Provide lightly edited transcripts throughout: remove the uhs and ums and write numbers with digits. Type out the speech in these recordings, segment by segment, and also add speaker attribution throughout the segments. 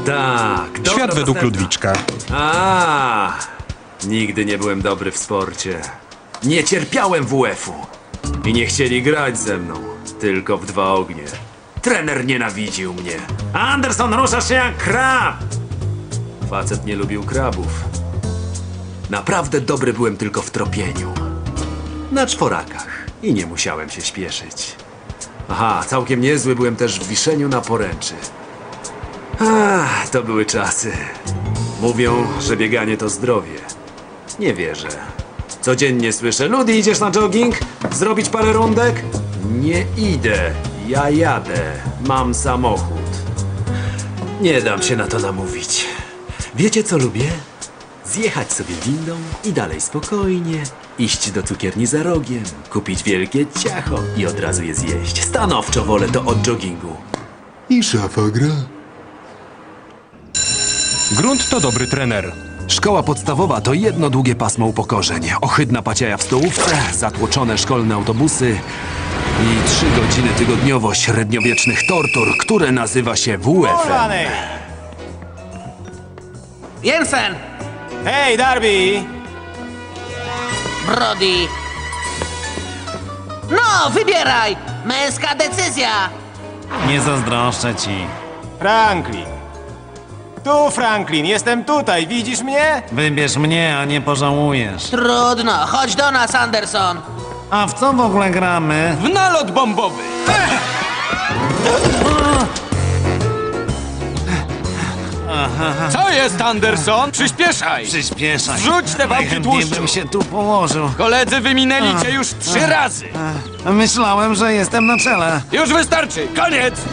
Speaker 1: Tak, dobro
Speaker 2: Świat według
Speaker 1: dostępna.
Speaker 2: Ludwiczka.
Speaker 1: Nigdy nie byłem dobry w sporcie. Nie cierpiałem WF-u. I nie chcieli grać ze mną. Tylko w dwa ognie. Trener nienawidził mnie. Anderson, ruszasz się jak krab! Facet nie lubił krabów. Naprawdę dobry byłem tylko w tropieniu. Na czworakach. I nie musiałem się śpieszyć. Aha, całkiem niezły byłem też w wiszeniu na poręczy. To były czasy. Mówią, że bieganie to zdrowie. Nie wierzę. Codziennie słyszę: Ludi, idziesz na jogging? Zrobić parę rundek? Nie idę. Ja jadę. Mam samochód. Nie dam się na to namówić. Wiecie, co lubię? Zjechać sobie windą i dalej spokojnie iść do cukierni za rogiem, kupić wielkie ciacho i od razu je zjeść. Stanowczo wolę to od joggingu.
Speaker 3: I szafa gra.
Speaker 2: Grunt to dobry trener.
Speaker 1: Szkoła podstawowa to jedno długie pasmo upokorzeń. Ohydna paciaja w stołówce, zatłoczone szkolne autobusy i 3 godziny tygodniowo średniowiecznych tortur, które nazywa się WF-em.
Speaker 4: Jensen!
Speaker 5: Hej, Darby!
Speaker 4: Brody! No, wybieraj! Męska decyzja!
Speaker 6: Nie zazdroszczę ci.
Speaker 5: Franklin. Tu, Franklin, jestem tutaj, widzisz mnie?
Speaker 6: Wybierz mnie, a nie pożałujesz.
Speaker 4: Trudno, chodź do nas, Anderson!
Speaker 6: A w co w ogóle gramy?
Speaker 5: W nalot bombowy! Co jest, Anderson? Przyspieszaj!
Speaker 6: Przyspieszaj.
Speaker 5: Wrzuć te wałki
Speaker 6: Najchętniej
Speaker 5: tłuszczu.
Speaker 6: bym się tu położył.
Speaker 5: Koledzy wyminęli cię już 3 razy!
Speaker 6: Myślałem, że jestem na czele.
Speaker 5: Już wystarczy! Koniec!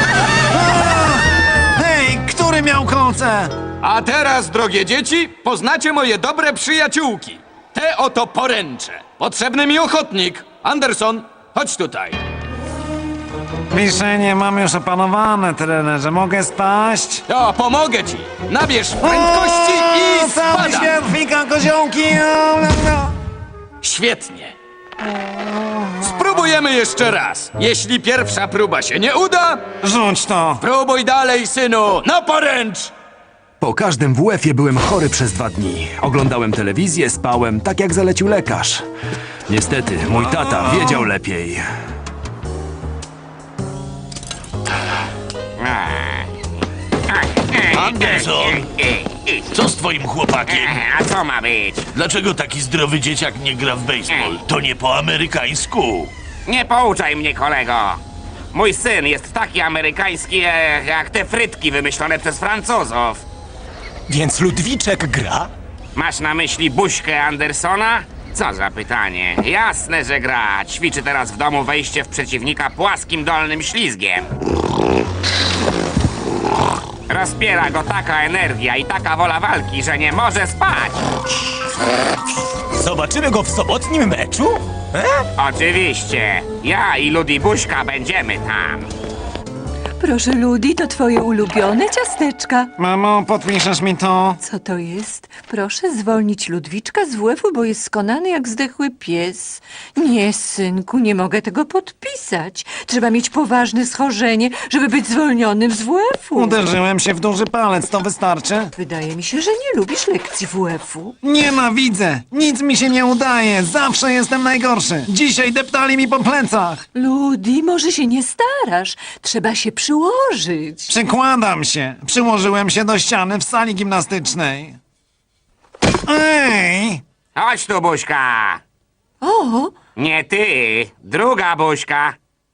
Speaker 6: Hej, który miał kolce?
Speaker 5: A teraz, drogie dzieci, poznacie moje dobre przyjaciółki. Te oto poręcze. Potrzebny mi ochotnik. Anderson, chodź tutaj.
Speaker 6: Wiszenie mam już opanowane, trenerze. Mogę spaść?
Speaker 5: O, pomogę ci. Nabierz prędkości i
Speaker 6: Cały
Speaker 5: spadaj.
Speaker 6: świat fika koziołki.
Speaker 5: Świetnie. Spróbujemy jeszcze raz. Jeśli pierwsza próba się nie uda,
Speaker 6: Rzuć to.
Speaker 5: próbuj dalej, synu. Na poręcz!
Speaker 1: Po każdym WF-ie byłem chory przez 2 dni. Oglądałem telewizję, spałem, tak jak zalecił lekarz. Niestety, mój tata wiedział lepiej.
Speaker 7: Anderson! Co z twoim chłopakiem?
Speaker 8: A co ma być?
Speaker 7: Dlaczego taki zdrowy dzieciak nie gra w baseball? To nie po amerykańsku.
Speaker 8: Nie pouczaj mnie, kolego. Mój syn jest taki amerykański, jak te frytki wymyślone przez Francuzów.
Speaker 2: Więc Ludwiczek gra?
Speaker 8: Masz na myśli buźkę Andersona? Co za pytanie. Jasne, że gra. Ćwiczy teraz w domu wejście w przeciwnika płaskim dolnym ślizgiem. Rozpiera go taka energia i taka wola walki, że nie może spać.
Speaker 2: Zobaczymy go w sobotnim meczu?
Speaker 8: Oczywiście. Ja i Ludi Buźka będziemy tam.
Speaker 9: Proszę, Ludi, to twoje ulubione ciasteczka.
Speaker 6: Mamo, podpiszesz mi to?
Speaker 9: Co to jest? Proszę zwolnić Ludwiczka z WF-u, bo jest skonany jak zdechły pies. Nie, synku, nie mogę tego podpisać. Trzeba mieć poważne schorzenie, żeby być zwolnionym z WF-u.
Speaker 6: Uderzyłem się w duży palec, to wystarczy?
Speaker 9: Wydaje mi się, że nie lubisz lekcji WF-u.
Speaker 6: Nienawidzę! Nic mi się nie udaje! Zawsze jestem najgorszy! Dzisiaj deptali mi po plecach!
Speaker 9: Ludi, może się nie starasz. Trzeba się przyłożyć.
Speaker 6: Przykładam się! Przyłożyłem się do ściany w sali gimnastycznej. Ej!
Speaker 8: Chodź tu, Buźka.
Speaker 9: O,
Speaker 8: Nie ty, druga Buźka.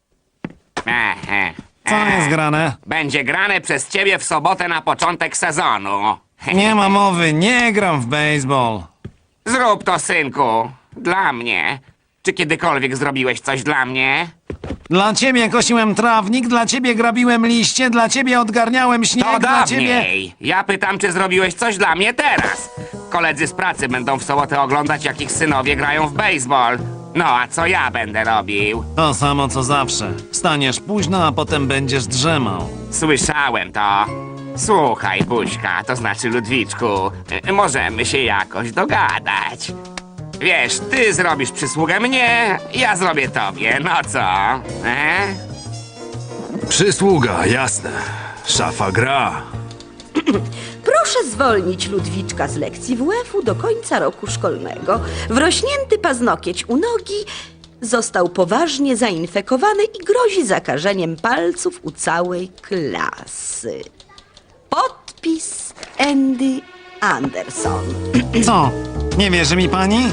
Speaker 6: Co jest grane?
Speaker 8: Będzie grane przez ciebie w sobotę na początek sezonu.
Speaker 6: Nie ma mowy, nie gram w baseball.
Speaker 8: Zrób to, synku. Dla mnie. Czy kiedykolwiek zrobiłeś coś dla mnie?
Speaker 6: Dla ciebie kosiłem trawnik, dla ciebie grabiłem liście, dla ciebie odgarniałem śnieg,
Speaker 8: To
Speaker 6: dla ciebie...
Speaker 8: dawniej. Ja pytam, czy zrobiłeś coś dla mnie teraz. Koledzy z pracy będą w sobotę oglądać, jak ich synowie grają w baseball. No, a co ja będę robił?
Speaker 6: To samo co zawsze. Wstaniesz późno, a potem będziesz drzemał.
Speaker 8: Słyszałem to. Słuchaj, Buźka, to znaczy Ludwiczku, możemy się jakoś dogadać. Wiesz, ty zrobisz przysługę mnie, ja zrobię tobie, no co?
Speaker 1: Przysługa, jasne. Szafa gra.
Speaker 10: Proszę zwolnić Ludwiczka z lekcji WF-u do końca roku szkolnego. Wrośnięty paznokieć u nogi został poważnie zainfekowany i grozi zakażeniem palców u całej klasy. Podpis Andy Anderson.
Speaker 6: Co? Nie wierzy mi pani?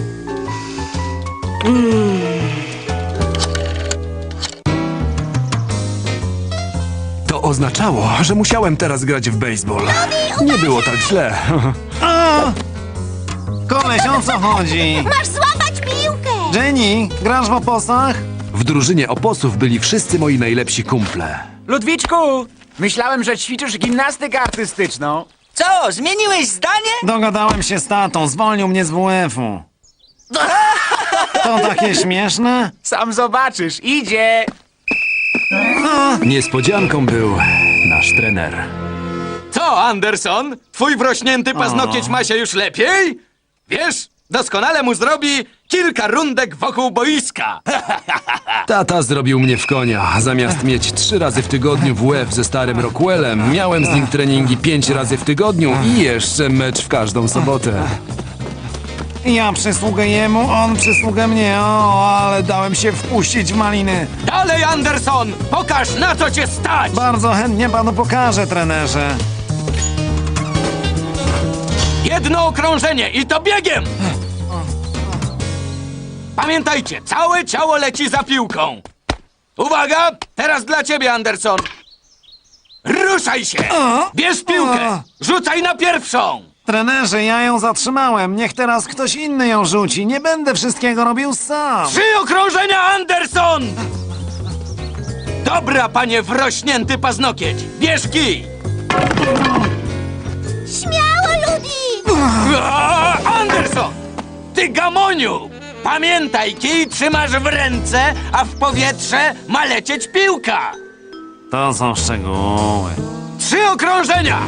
Speaker 1: To oznaczało, że musiałem teraz grać w baseball. Nie było tak źle.
Speaker 6: A! Koleś, o co chodzi?
Speaker 11: Masz złapać piłkę!
Speaker 6: Jenny, grasz w oposach?
Speaker 1: W drużynie oposów byli wszyscy moi najlepsi kumple.
Speaker 12: Ludwiczku! Myślałem, że ćwiczysz gimnastykę artystyczną. Co, zmieniłeś zdanie?
Speaker 6: Dogadałem się z tatą, zwolnił mnie z WF-u. To takie śmieszne?
Speaker 12: Sam zobaczysz, idzie!
Speaker 1: Niespodzianką był nasz trener.
Speaker 5: Co, Anderson? Twój wrośnięty paznokieć ma się już lepiej? Wiesz, doskonale mu zrobi kilka rundek wokół boiska.
Speaker 1: Tata zrobił mnie w konia. Zamiast mieć 3 razy w tygodniu WF ze starym Rockwellem, miałem z nim treningi 5 razy w tygodniu i jeszcze mecz w każdą sobotę.
Speaker 6: Ja przysługę jemu, on przysługę mnie. O, ale dałem się wpuścić w maliny.
Speaker 5: Dalej, Anderson! Pokaż, na co cię stać!
Speaker 6: Bardzo chętnie panu pokażę, trenerze.
Speaker 5: Jedno okrążenie i to biegiem! Pamiętajcie, całe ciało leci za piłką. Uwaga, teraz dla ciebie, Anderson. Ruszaj się! Bierz piłkę! Rzucaj na pierwszą!
Speaker 6: Trenerze, ja ją zatrzymałem. Niech teraz ktoś inny ją rzuci. Nie będę wszystkiego robił sam.
Speaker 5: 3 okrążenia, Anderson! Dobra, panie wrośnięty paznokieć. Bierz kij!
Speaker 11: Śmiało, Ludi!
Speaker 5: Anderson! Ty gamoniu! Pamiętaj, kij trzymasz w ręce, a w powietrze ma lecieć piłka.
Speaker 6: To są szczegóły.
Speaker 5: 3 okrążenia!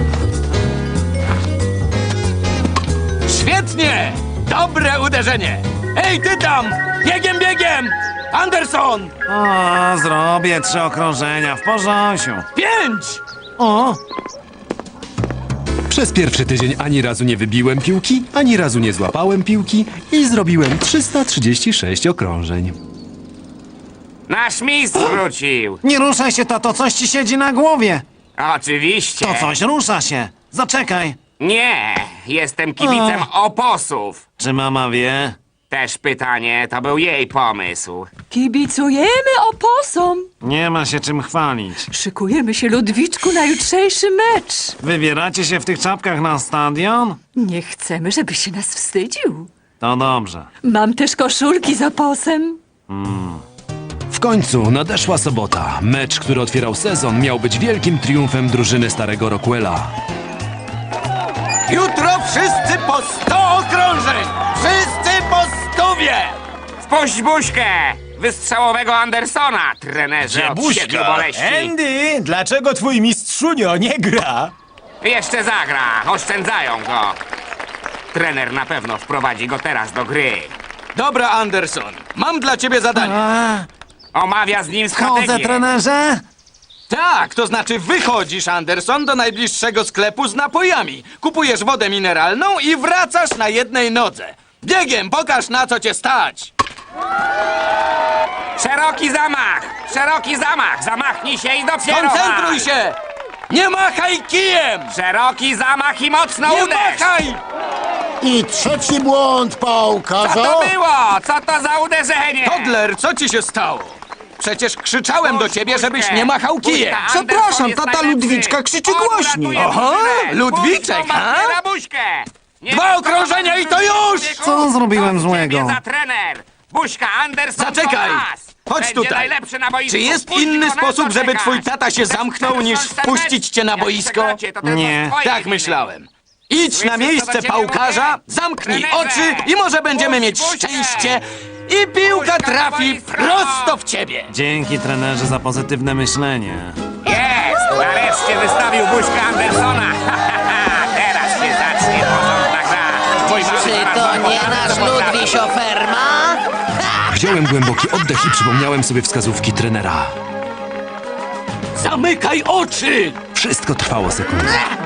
Speaker 5: Świetnie! Dobre uderzenie! Ej, ty tam! Biegiem, biegiem! Anderson!
Speaker 6: O, zrobię 3 okrążenia w porząsiu.
Speaker 5: 5!
Speaker 6: O,
Speaker 1: Przez pierwszy tydzień ani razu nie wybiłem piłki, ani razu nie złapałem piłki i zrobiłem 336 okrążeń.
Speaker 8: Nasz mistrz wrócił.
Speaker 6: nie ruszaj się, tato, coś ci siedzi na głowie.
Speaker 8: Oczywiście.
Speaker 6: To coś rusza się. Zaczekaj.
Speaker 8: Nie, jestem kibicem oposów.
Speaker 6: Czy mama wie?
Speaker 8: Też pytanie, to był jej pomysł.
Speaker 9: Kibicujemy oposom.
Speaker 6: Nie ma się czym chwalić.
Speaker 9: Szykujemy się, Ludwiczku, na jutrzejszy mecz.
Speaker 6: Wybieracie się w tych czapkach na stadion?
Speaker 9: Nie chcemy, żebyś się nas wstydził.
Speaker 6: To dobrze.
Speaker 9: Mam też koszulki z oposem.
Speaker 1: W końcu nadeszła sobota. Mecz, który otwierał sezon, miał być wielkim triumfem drużyny starego Rockwella.
Speaker 5: Jutro wszyscy po 100 okrążeń! Wszyscy po 100!
Speaker 8: Wpuść buźkę! Wystrzałowego Andersona, trenerze od 7 boleści.
Speaker 2: Andy, dlaczego twój mistrzunio nie gra?
Speaker 8: Jeszcze zagra, oszczędzają go. Trener na pewno wprowadzi go teraz do gry.
Speaker 5: Dobra, Anderson, mam dla ciebie zadanie.
Speaker 8: Omawia z nim
Speaker 6: Chodzę,
Speaker 8: strategię.
Speaker 6: trenerze?
Speaker 5: Tak, to znaczy wychodzisz, Anderson, do najbliższego sklepu z napojami. Kupujesz wodę mineralną i wracasz na jednej nodze. Biegiem, pokaż, na co cię stać.
Speaker 8: Szeroki zamach! Szeroki zamach! Zamachnij się i dopiero
Speaker 5: Koncentruj
Speaker 8: wal.
Speaker 5: się! Nie machaj kijem!
Speaker 8: Szeroki zamach i mocno
Speaker 5: Nie
Speaker 8: uderz!
Speaker 5: machaj!
Speaker 7: I trzeci błąd, pałka.
Speaker 8: Co to było? Co to za uderzenie?
Speaker 5: Toddler, co ci się stało? Przecież krzyczałem do ciebie, żebyś nie machał kijem.
Speaker 8: Przepraszam, tata Ludwiczka krzyczy głośniej.
Speaker 5: Oho, Ludwiczek, ha? 2 okrążenia i to już!
Speaker 6: Co zrobiłem złego?
Speaker 8: Za trener! Buźka, Anderson,
Speaker 5: Zaczekaj!
Speaker 8: Thomas.
Speaker 5: Chodź
Speaker 8: Będzie
Speaker 5: tutaj.
Speaker 8: najlepszy na boisku.
Speaker 5: Czy jest
Speaker 8: Wpuść
Speaker 5: inny
Speaker 8: go, na
Speaker 5: sposób,
Speaker 8: co
Speaker 5: żeby
Speaker 8: czekasz?
Speaker 5: twój tata się zamknął, niż wpuścić cię na
Speaker 8: Jak
Speaker 5: boisko?
Speaker 8: przegracie, to tylko
Speaker 6: Nie.
Speaker 8: z twojej
Speaker 5: Tak
Speaker 8: winy.
Speaker 5: myślałem. Idź na miejsce
Speaker 8: do ciebie
Speaker 5: pałkarza,
Speaker 8: mówię?
Speaker 5: zamknij
Speaker 8: Trenerze!
Speaker 5: oczy i może będziemy mieć
Speaker 8: Puść buźkę!
Speaker 5: szczęście i piłka
Speaker 8: Puść na
Speaker 5: trafi
Speaker 8: boisko!
Speaker 5: prosto w ciebie.
Speaker 6: Dzięki, trenerze, za pozytywne myślenie.
Speaker 8: Jest! Nareszcie wystawił buźkę Andersona. Teraz się zacznie porządna gra. Twój mały
Speaker 4: Czy
Speaker 8: zaraz
Speaker 4: to
Speaker 8: ma
Speaker 4: nie nasz Ludwis Oferma?
Speaker 1: Wziąłem głęboki oddech i przypomniałem sobie wskazówki trenera.
Speaker 5: Zamykaj oczy!
Speaker 13: Wszystko trwało sekundę.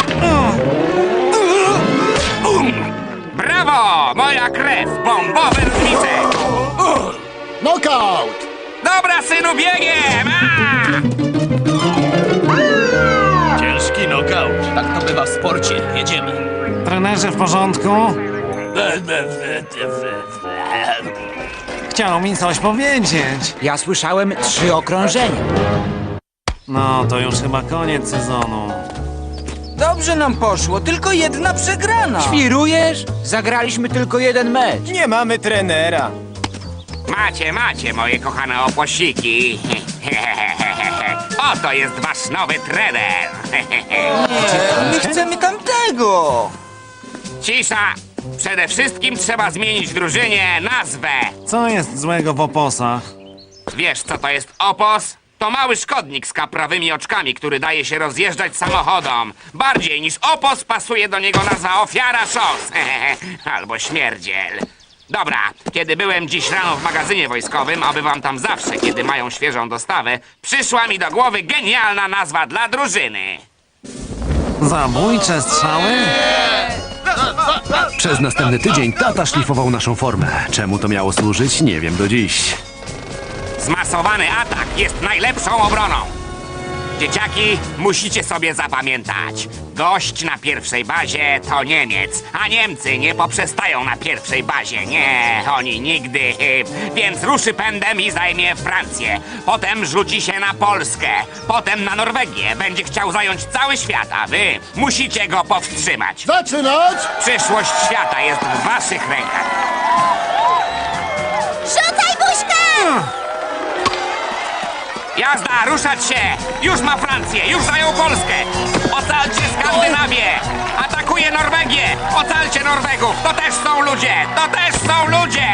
Speaker 8: Brawo! Moja krew! Bombowe różnice!
Speaker 3: Knockout!
Speaker 8: Dobra, synu, biegiem!
Speaker 7: Ciężki knockout.
Speaker 2: Tak to bywa w sporcie. Jedziemy.
Speaker 6: Trenerze, w porządku? Chciał mi coś powiedzieć.
Speaker 12: Ja słyszałem 3 okrążenia.
Speaker 6: No, to już chyba koniec sezonu.
Speaker 12: Dobrze nam poszło, tylko jedna przegrana. Świrujesz? Zagraliśmy tylko 1 mecz.
Speaker 2: Nie mamy trenera.
Speaker 8: Macie, moje kochane opłosiki. Oto jest wasz nowy trener.
Speaker 12: My chcemy tamtego.
Speaker 8: Cisza! Przede wszystkim trzeba zmienić drużynie nazwę.
Speaker 6: Co jest złego w oposach?
Speaker 8: Wiesz, co to jest opos? To mały szkodnik z kaprawymi oczkami, który daje się rozjeżdżać samochodom. Bardziej niż opos pasuje do niego nazwa ofiara szos. Albo śmierdziel. Dobra, kiedy byłem dziś rano w magazynie wojskowym, a bywam tam zawsze, kiedy mają świeżą dostawę, przyszła mi do głowy genialna nazwa dla drużyny.
Speaker 6: Zabójcze strzały?
Speaker 13: Przez następny tydzień tata szlifował naszą formę. Czemu to miało służyć, nie wiem do dziś.
Speaker 8: Zmasowany atak jest najlepszą obroną. Dzieciaki, musicie sobie zapamiętać. Gość na pierwszej bazie to Niemiec, a Niemcy nie poprzestają na pierwszej bazie. Nie, oni nigdy. Więc ruszy pędem i zajmie Francję. Potem rzuci się na Polskę. Potem na Norwegię. Będzie chciał zająć cały świat, a wy musicie go powstrzymać.
Speaker 3: Zaczynać!
Speaker 8: Przyszłość świata jest w waszych rękach.
Speaker 11: Rzucaj buźkę!
Speaker 8: Jazda, ruszać się! Już ma Francję, już zajął Polskę! Ocalcie Skandynawię! Atakuje Norwegię! Ocalcie Norwegów! To też są ludzie! To też są ludzie!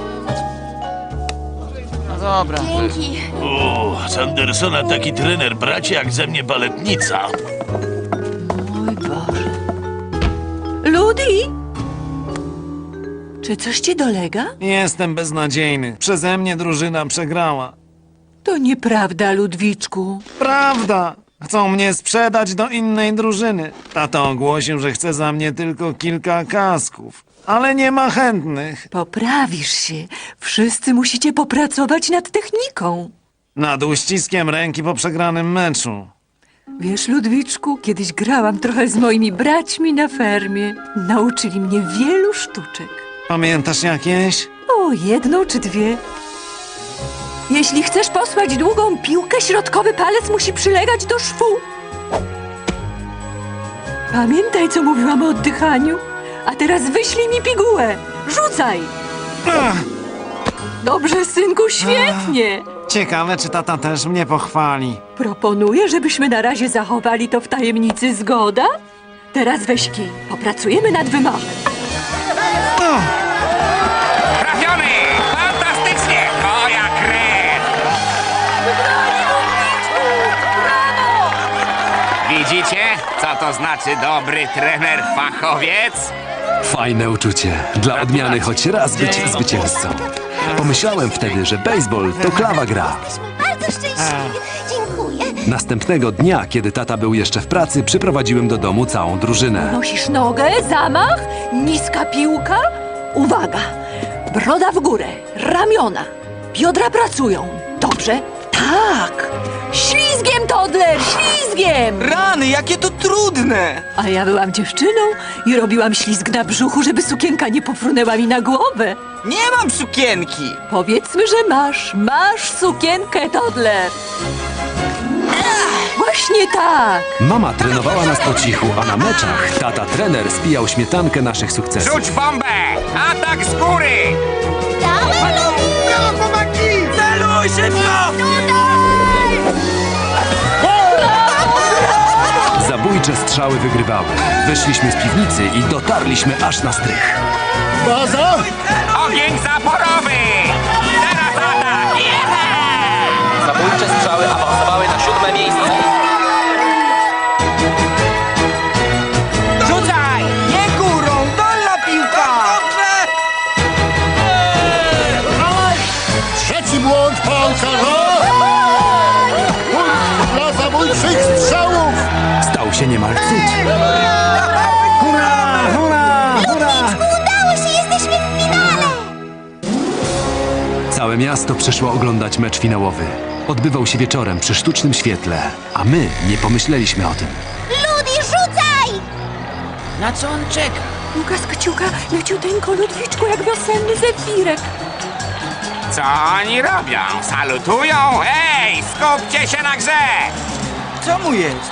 Speaker 12: No dobra.
Speaker 11: Dzięki.
Speaker 7: O, z Andersona taki trener, bracie, jak ze mnie baletnica.
Speaker 9: Mój Boże. Ludi? Czy coś ci dolega?
Speaker 6: Jestem beznadziejny. Przeze mnie drużyna przegrała.
Speaker 9: To nieprawda, Ludwiczku.
Speaker 6: Prawda! Chcą mnie sprzedać do innej drużyny. Tata ogłosił, że chce za mnie tylko kilka kasków. Ale nie ma chętnych.
Speaker 9: Poprawisz się. Wszyscy musicie popracować nad techniką.
Speaker 6: Nad uściskiem ręki po przegranym meczu.
Speaker 9: Wiesz, Ludwiczku, kiedyś grałam trochę z moimi braćmi na fermie. Nauczyli mnie wielu sztuczek.
Speaker 6: Pamiętasz jakieś?
Speaker 9: O, 1 czy 2. Jeśli chcesz posłać długą piłkę, środkowy palec musi przylegać do szwu. Pamiętaj, co mówiłam o oddychaniu. A teraz wyślij mi pigułę. Rzucaj! Dobrze, synku, świetnie.
Speaker 6: Ciekawe, czy tata też mnie pochwali.
Speaker 9: Proponuję, żebyśmy na razie zachowali to w tajemnicy, zgoda? Teraz weź kij. Popracujemy nad wymachem.
Speaker 8: Trafiony! Fantastycznie! Moja krew! Widzicie, co to znaczy dobry trener fachowiec?
Speaker 13: Fajne uczucie. Dla odmiany choć raz być zwycięzcą. Pomyślałem wtedy, że baseball to klawa gra.
Speaker 11: Bardzo szczęśliwie. Dziękuję.
Speaker 13: Następnego dnia, kiedy tata był jeszcze w pracy, przyprowadziłem do domu całą drużynę.
Speaker 9: Nosisz nogę, zamach, niska piłka. Uwaga! Broda w górę, ramiona, biodra pracują. Dobrze? Tak! Ślizgiem, Toddler, ślizgiem!
Speaker 12: Rany, jakie to trudne!
Speaker 9: A ja byłam dziewczyną i robiłam ślizg na brzuchu, żeby sukienka nie pofrunęła mi na głowę.
Speaker 12: Nie mam sukienki!
Speaker 9: Powiedzmy, że masz. Masz sukienkę, Toddler. Właśnie tak.
Speaker 13: Mama trenowała nas po cichu, a na meczach tata trener spijał śmietankę naszych sukcesów.
Speaker 8: Rzuć bombę! Atak z góry!
Speaker 11: Dałem lubi!
Speaker 12: Brawo, Maki! Celuj szybko!
Speaker 13: Zabójcze strzały wygrywały. Wyszliśmy z piwnicy i dotarliśmy aż na strych.
Speaker 3: Baza!
Speaker 8: Ogień zaporowy! Teraz atak!
Speaker 2: Zabójcze strzały awansowały na 7. miejsce.
Speaker 12: Rzucaj! Nie górą, dolna piłka!
Speaker 3: Trzeci błąd piłkarza! Punkt dla zabójczych strzałów!
Speaker 13: Stał
Speaker 6: Hurra, hurra, hurra!
Speaker 11: Udało się, jesteśmy w finale!
Speaker 13: Całe miasto przyszło oglądać mecz finałowy. Odbywał się wieczorem przy sztucznym świetle, a my nie pomyśleliśmy o tym.
Speaker 11: Ludi, rzucaj!
Speaker 12: Na co on czeka?
Speaker 9: Piłka z kciuka, leciuteńko, Ludwiczku, jak wiosenny zefirek.
Speaker 8: Co oni robią? Salutują? Ej, skupcie się na grze!
Speaker 12: Co mu jest?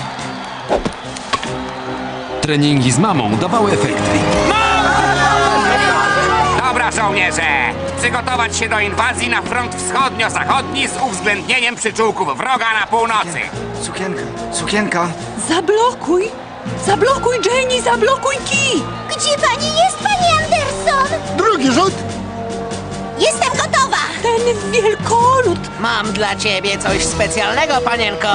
Speaker 13: Treningi z mamą dawały efekty.
Speaker 8: Dobra, żołnierze! Przygotować się do inwazji na front wschodnio-zachodni z uwzględnieniem przyczółków wroga na północy.
Speaker 12: Sukienka.
Speaker 9: Zablokuj! Zablokuj, Jenny, zablokuj kij!
Speaker 11: Gdzie pani jest, pani Anderson?
Speaker 3: Drugi rzut!
Speaker 11: Jestem gotowa!
Speaker 9: Ten wielkolud!
Speaker 4: Mam dla ciebie coś specjalnego, panienko.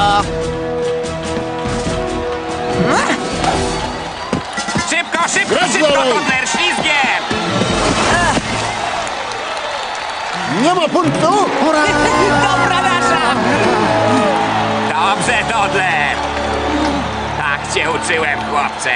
Speaker 8: Szybko, szybko,
Speaker 3: Grać
Speaker 8: szybko,
Speaker 3: dalej!
Speaker 8: Dodler, ślizgiem!
Speaker 3: Nie ma punktu! Hurra!
Speaker 4: Dobra nasza!
Speaker 8: Dobrze, Dodler! Tak cię uczyłem, chłopcze.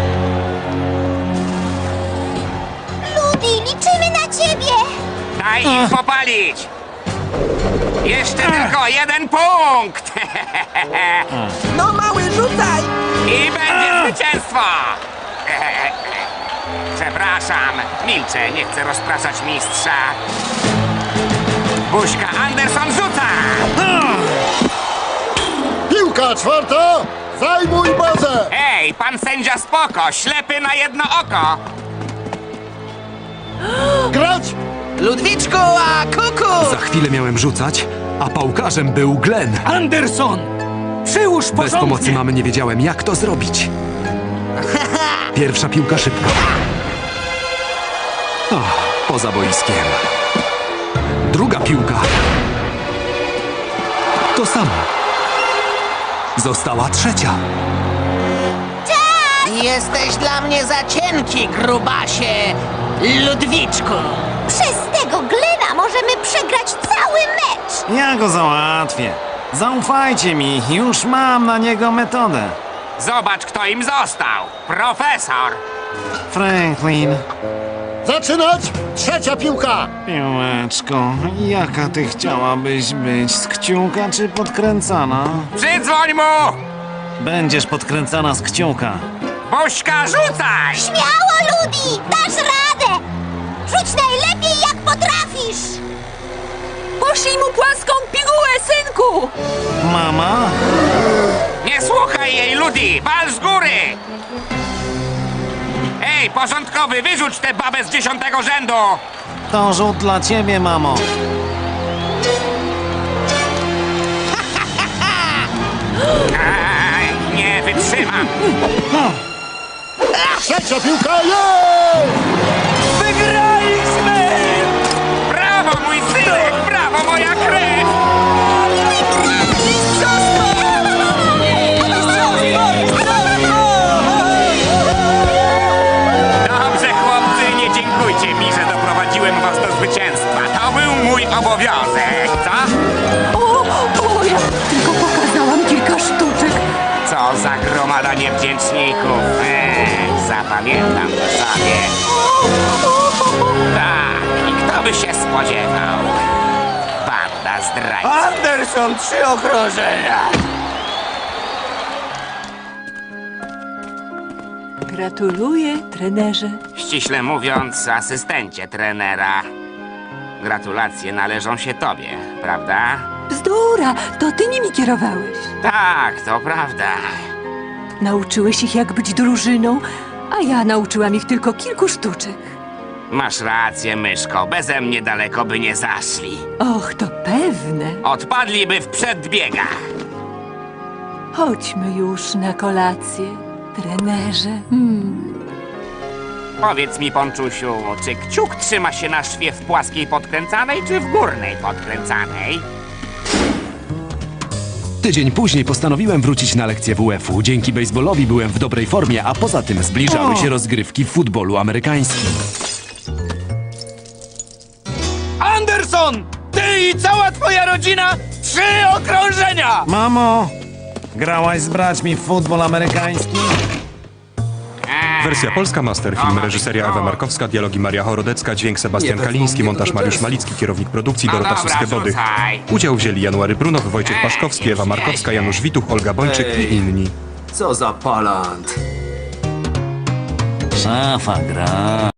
Speaker 11: Ludi, liczymy na ciebie!
Speaker 8: Daj im popalić! Jeszcze tylko jeden punkt!
Speaker 4: No mały, rzucaj!
Speaker 8: I będzie zwycięstwo! Przepraszam, milczę, nie chcę rozpraszać mistrza. Buźka, Anderson rzuca!
Speaker 3: Piłka czwarta! Zajmuj bazę!
Speaker 8: Ej, pan sędzia spoko, ślepy na jedno oko!
Speaker 3: Grać!
Speaker 4: Ludwiczku, a kuku!
Speaker 13: Za chwilę miałem rzucać, a pałkarzem był Glenn.
Speaker 12: Anderson! Przyłóż
Speaker 13: Bez
Speaker 12: porządnie!
Speaker 13: pomocy mamy nie wiedziałem, jak to zrobić. Pierwsza piłka szybko. Poza boiskiem. Druga piłka. To samo. Została trzecia.
Speaker 4: Jesteś dla mnie za cienki, grubasie! Ludwiczku!
Speaker 11: Przez tego Glena możemy przegrać cały mecz!
Speaker 6: Ja go załatwię. Zaufajcie mi, już mam na niego metodę.
Speaker 8: Zobacz, kto im został! Profesor!
Speaker 6: Franklin,
Speaker 3: Zaczynać! Trzecia piłka!
Speaker 6: piłeczko, jaka ty chciałabyś być? Z kciuka czy podkręcana?
Speaker 8: Przydzwoń mu!
Speaker 6: Będziesz podkręcana z kciuka.
Speaker 8: Buźka, rzucaj!
Speaker 11: Śmiało, Ludi! Dasz radę! Rzuć najlepiej, jak potrafisz!
Speaker 9: Poszlij mu płaską pigułę, synku!
Speaker 6: Mama?
Speaker 8: Nie słuchaj jej, Ludi! Wal z góry! Ej, porządkowy, wyrzuć tę babę z 10. rzędu!
Speaker 6: To rzut dla ciebie, mamo.
Speaker 8: Aj, nie wytrzymam!
Speaker 3: Trzecia piłka! Jej!
Speaker 12: Wygraliśmy!
Speaker 8: Brawo, mój synek! Brawo, moja krew! Dobrze, chłopcy, nie dziękujcie mi, że doprowadziłem was do zwycięstwa. To był mój obowiązek, co?
Speaker 9: O, ja tylko pokazałam kilka sztuczek.
Speaker 8: Co za gromada niewdzięczników. Zapamiętam to sobie. Tak, i kto by się spodziewał? Banda zdrajców.
Speaker 12: Anderson, 3 okrążenia!
Speaker 9: Gratuluję, trenerze.
Speaker 8: Ściśle mówiąc, asystencie trenera. Gratulacje należą się tobie, prawda?
Speaker 9: Bzdura, to ty nimi kierowałeś.
Speaker 8: Tak, to prawda.
Speaker 9: Nauczyłeś ich, jak być drużyną, a ja nauczyłam ich tylko kilku sztuczek.
Speaker 8: Masz rację, myszko. Beze mnie daleko by nie zaszli.
Speaker 9: Och, to pewne.
Speaker 8: Odpadliby w przedbiegach.
Speaker 9: Chodźmy już na kolację, trenerze.
Speaker 8: Powiedz mi, Ponczusiu, czy kciuk trzyma się na szwie w płaskiej podkręcanej, czy w górnej podkręcanej?
Speaker 13: Tydzień później postanowiłem wrócić na lekcję WF-u. Dzięki baseballowi byłem w dobrej formie, a poza tym zbliżały się rozgrywki w futbolu amerykańskim.
Speaker 12: Anderson! Ty i cała twoja rodzina 3 okrążenia!
Speaker 6: Mamo, Grałaś z braćmi w futbol amerykański?
Speaker 14: Wersja polska, masterfilm, reżyseria Ewa Markowska, dialogi Maria Chorodecka, dźwięk Sebastian Kaliński, montaż Mariusz Malicki, kierownik produkcji Dorota Suskie-Bodych. Udział wzięli January Brunow, Wojciech Paszkowski, Ewa Markowska, Janusz Wituch, Olga Bończyk i inni.
Speaker 1: Co za palant.
Speaker 2: Szafa gra.